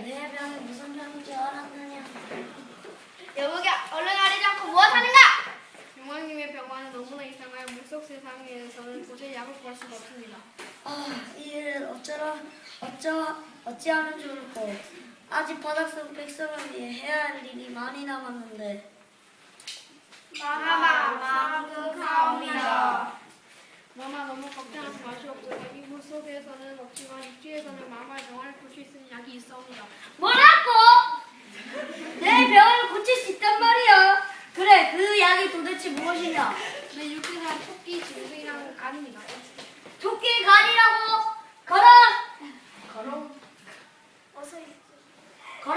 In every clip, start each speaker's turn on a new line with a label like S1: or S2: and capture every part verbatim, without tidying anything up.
S1: 내 병이 무슨 병인 줄 알았느냐?
S2: 여보가 얼른 가리지 않고 무엇하는가?
S3: 용왕님의 병화는 너무나 이상하여 물속 세상에서는 도저히 약을 구할 수가 없습니다.
S1: 아, 이 일을 어쩌라, 어쩌, 어찌하면 좋을꼬. 아직 바닥속 백성을 위해 해야 할 일이 많이 남았는데.
S2: 마마 망극하옵니다.
S3: 마마 너무 걱정하지 마시옵소서. 이 물속에서는 없지만 육지에서는 마마의 병화를 볼 수 있는 약이 있사옵니다.
S1: 뭐라고? 내 병을 고칠 수 있단 말이야. 그래, 그 약이 도대체 무엇이냐?
S3: 내 육지에서는 토끼, 짐승이랑 간입니다.
S1: 토끼 간이라고? 걸어! 걸어?
S2: 어서 있
S1: 걸어!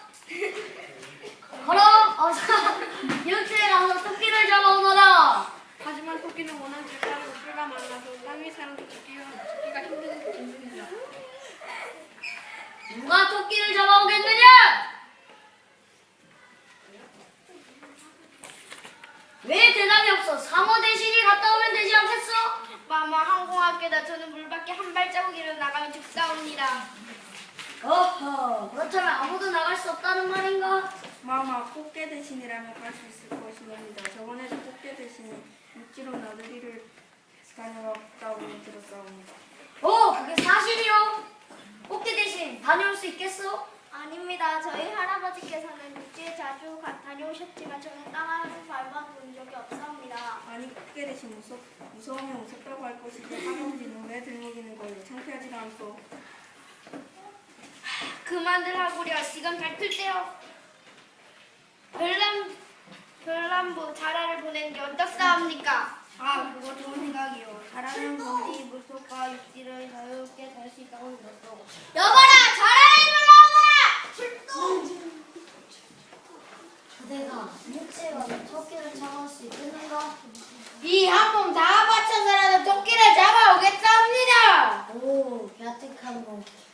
S1: 걸어! 어서 육지에 가서 토끼를 잡아오너라.
S3: 하지만 토끼는 워낙 작다고 뿔가 많아서 땅 위 사람도 잡기가, 잡기가 힘든 짐승입니다.
S1: 누가 토끼를 잡아오겠느냐? 왜 대답이 없어? 상어 대신이 갔다 오면 되지 않겠어?
S2: 마마 항공학교다. 저는 물밖에 한 발자국이라도 나가면 죽사옵니다.
S1: 어허, 그렇다면 아무도 나갈 수 없다는 말인가?
S4: 마마, 꽃게 대신이라면 갈 수 있을 것입니다. 저번에도 꽃게 대신이 육지로 나들이를 다녀왔다고 들었사옵니다.
S1: 오, 그게 사실이요? 꽃게 대신 다녀올 수 있겠어?
S2: 아닙니다. 저희 할아버지께서는 육지에 자주 가, 다녀오셨지만 저는 땅을 밟아본 적이 없사옵니다.
S4: 아니, 꽃게 대신 무섭, 무서우면 무섭다고 할 것이지 할아버지는 왜 들먹이는 걸로 창피하지가 않소.
S2: 그만들 하구려. 시간 밝힐 때요. 별남, 별남부 자라를 보내는 게 어떻사옵니까?
S4: 아, 그거 좋은 생각이요. 잘하는 분이 물속과 육지를 자유롭게 달 수 있다고 들었소.
S2: 여보라! 자라를 불러오거라! 출동!
S1: 그대가 육지에 가서 토끼를 잡아올 수 있겠는가?
S2: 이 한 몸 다 바쳐서라도 토끼를 잡아오겠사옵니다!
S1: 오, 야특한 거.